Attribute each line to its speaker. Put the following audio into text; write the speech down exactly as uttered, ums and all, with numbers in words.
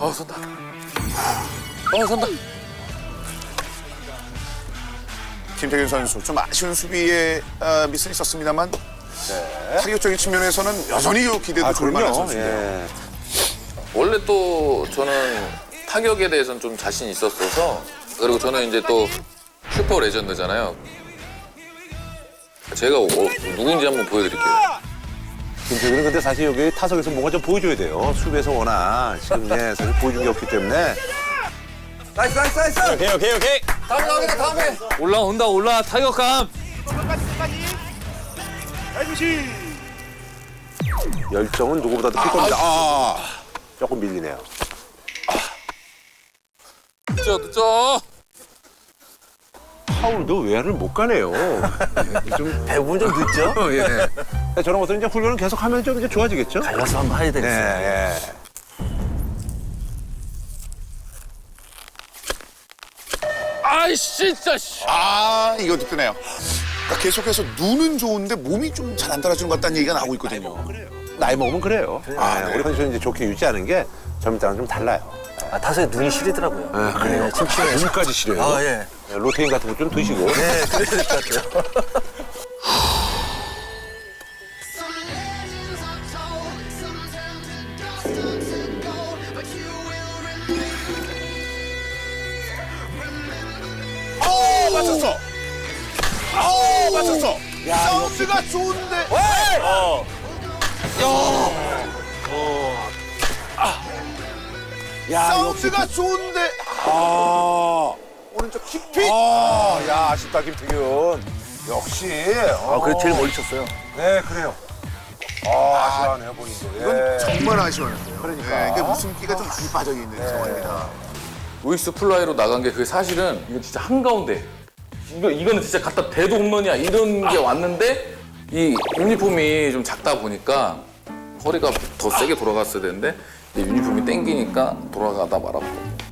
Speaker 1: 어, 선다. 어, 선다.
Speaker 2: 김태균 선수 좀 아쉬운 수비에 어, 미스는 있었습니다만 네. 타격적인 측면에서는 여전히 기대도
Speaker 3: 아,
Speaker 2: 좋을 만한
Speaker 3: 그럼요.
Speaker 2: 선수인데요.
Speaker 3: 예.
Speaker 1: 원래 또 저는 타격에 대해서는 좀 자신 있었어서 그리고 저는 이제 또 슈퍼 레전드잖아요. 제가 어, 누군지 한번 보여드릴게요.
Speaker 3: 김태균은 근데 사실 여기 타석에서 뭔가 좀 보여줘야 돼요. 수비에서 워낙 지금 예, 사실 보여준 게 없기 때문에.
Speaker 4: 나이스 나이스 나이스.
Speaker 5: 오케이 오케이 오케이.
Speaker 1: 다음에 나오겠다, 다음에.
Speaker 5: 올라온다 올라 타격감.
Speaker 3: 열정은 누구보다도 클 겁니다. 아, 조금 밀리네요.
Speaker 1: 늦죠, 늦죠.
Speaker 3: 파울도 외야를 못 가네요. 좀
Speaker 4: 대부분 좀 늦죠?
Speaker 3: 예. 저런 것들은 이제 훈련을 계속 하면 좀 이제 좋아지겠죠?
Speaker 4: 갈라서 한번 해야 되겠어요.
Speaker 3: 예, 예.
Speaker 1: 아이씨, 진짜. 씨.
Speaker 2: 아 이것도 뜨네요. 그러니까 계속해서 눈은 좋은데 몸이 좀 잘 안 따라주는 것 같다는 얘기가 나오고 있거든요.
Speaker 3: 나이 먹으면 그래요.
Speaker 2: 아,
Speaker 3: 예,
Speaker 2: 네.
Speaker 3: 우리 컨디션 이제 좋게 유지하는 게 젊을 때랑 좀 달라요.
Speaker 4: 아, 타석에 눈이 시리더라고요.
Speaker 3: 아, 그래요?
Speaker 4: 네, 침침해서.
Speaker 3: 눈까지 시려요.
Speaker 4: 아, 예.
Speaker 3: 예, 로테인 같은 거 좀 드시고.
Speaker 4: 네, 그래야 될 것 같아요.
Speaker 2: 어 맞췄어. 어 맞췄어. 사운드가 좋은데.
Speaker 3: 야,
Speaker 2: 사운드가 좋은데.
Speaker 3: 아,
Speaker 2: 오른쪽 킥핏.
Speaker 3: 아, 야, 아쉽다, 김태균. 역시.
Speaker 4: 아, 그래 제일 멀리 쳤어요.
Speaker 3: 네, 그래요. 아, 아쉬워하네요, 본인도.
Speaker 2: 이건
Speaker 3: 예.
Speaker 2: 정말 아쉬워요.
Speaker 3: 그러니까.
Speaker 2: 네, 이게 웃음기가 좀 많이 빠져 있는 상황입니다.
Speaker 1: 우익수 플라이로 나간 게 그게 사실은 이거 진짜 한가운데. 이거, 이거는 진짜 갖다 대도 홈런이야. 이런 게 왔는데 이 유니폼이 좀 작다 보니까 허리가 더 세게 돌아갔어야 되는데 이 유니폼이 땡기니까 돌아가다 말았고.